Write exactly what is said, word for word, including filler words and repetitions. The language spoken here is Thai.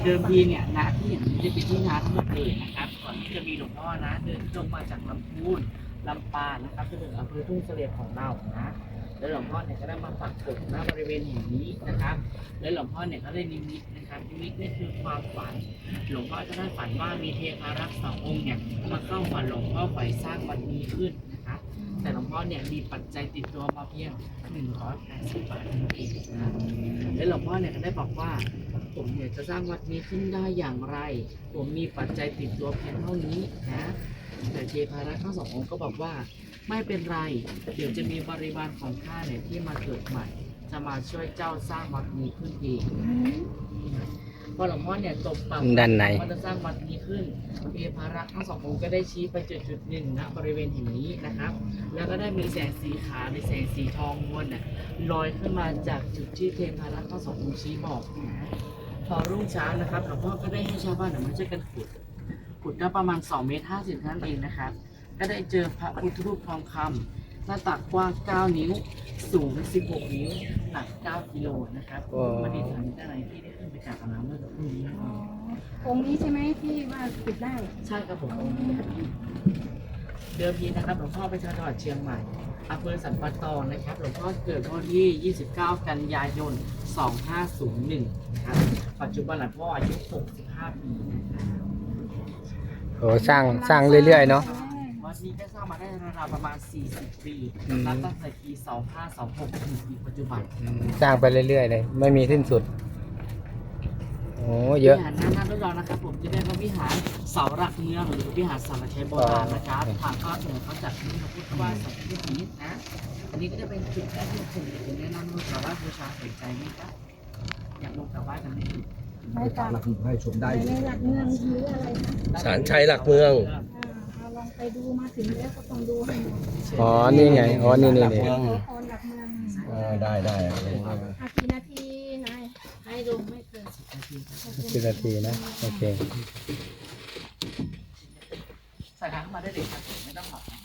ดิมทีเนี่ยนาที่อย่างนี้จะเป็นที่นาทั้งหมดเลยนะครับก่อนที่จะมีหลวงพ่อนะเดินลงมาจากลำพูนลำปางนะครับจนถึงอำเภอทุ่งเสลี่ยมของเรานะแล้วหลวงพ่อเนี่ยก็ได้มาปักกฎณบริเวณแห่งนี้นะครับแล้วหลวงพ่อเนี่ยก็ได้นิมิตนะครับนิมิตนี่คือความฝันหลวงพ่อจะได้ฝันว่ามีเทพารักษ์สององค์เนี่ยมาเข้าฝันหลวงพ่อฝ่ายสร้างวัดนี้ขึ้นนะครับแต่หลวงพ่อเนี่ยมีปัจจัยติดตัวมาเพียงหนึ่งร้อยแปดสิบบาทเท่านั้นเองนะแล้วหลวงพ่อเนี่ยก็ได้บอกว่าผมเนี่ยจะสร้างวัดนี้ขึ้นได้อย่างไรผมมีปัจจัยติดตัวเพียงเท่านี้นะแต่เทพารักษ์ทั้งสององค์ก็บอกว่าไม่เป็นไรเดี๋ยวจะมีบริวารของข้าเนี่ยที่มาเกิดใหม่จะมาช่วยเจ้าสร้างวัดนี้ขึ้นเองพอหลวงพ่อเนี่ยตบปากด้านในว่าจะสร้างวัดนี้ขึ้นเทพารักษ์ทั้งสององค์ก็ได้ชี้ไปจุดจุดหนึ่งณบริเวณแห่งนี้นะครับแล้วก็ได้มีแสงสีขาวในแสงสีทองมวลน่ะลอยขึ้นมาจากจุดที่เทพารักษ์ทั้งสององค์ชี้บอกนะพอรุ่งเช้านะครับหลวงพ่อก็ได้ให้ชาวบ้านมาช่วยกันขุดขุดได้ประมาณสองเมตรห้าสิบนั่นเองนะครับก็ได้เจอพระพุทธรูปทองคำหน้าตักกว้างเก้านิ้วสูงสิบหกนิ้วหนักเก้ากิโลนะครับมาดีฐานด้านในที่ได้ขึ้นไปกราบน้ำเมื่อสักครู่นี้องค์นี้ใช่ไหมที่ว่าปิดได้ใช่ครับผมเดิมทีนะครับหลวงพ่อเป็นชาวจังหวัดเชียงใหม่อำเภอสันปะตองนะครับหลวงพ่อเกิดวันที่ยี่สิบเก้ากันยายนสองห้าศูนย์หนึ่งนะครับปัจจุบันหลวงพ่ออายุหกสิบห้าปีนะครับโอ้สร้างสร้างเรื่อยๆเนาะวัดนี้ก็สร้างมาได้ราวๆประมาณสี่สิบปีอืมนับตั้งแต่ปีสองห้าสองหกถึงปีปัจจุบันสร้างไปเรื่อยๆเลยไม่มีสิ้นสุดโอ้เยอะวิหารหน้าหน้ารุ่นเรานะครับผมจะเรียกว่าวิหารเสาหลักเมืองหรือวิหารสารชัยโบราณนะครับทางภาคเหนือเขาจัดขึ้นมาพูดว่าสัตว์ที่นี้นะอันนี้ก็จะเป็นจุดแรกที่ผมอยากจะแนะนำลูกชาวบ้านบูชาสนใจไหมครับอยากลงกลับบ้านกันไหมได้จากหลักให้ชมได้ในหลักเมืองหรืออะไรนะศาลชัยหลักเมืองอ่าเอาลองไปดูมาถึงแล้วก็ต้องดูให้หมดอ๋อนี่ไงอ๋อนี่นี่นี่ขอพรหลักเมืองเออได้ได้อากี่นาทีนายให้ลงไม่เกินสิบนาทีครับสิบนาทีนะโอเคใส่ถังเข้ามาได้เลยครับไม่ต้องหอบนะ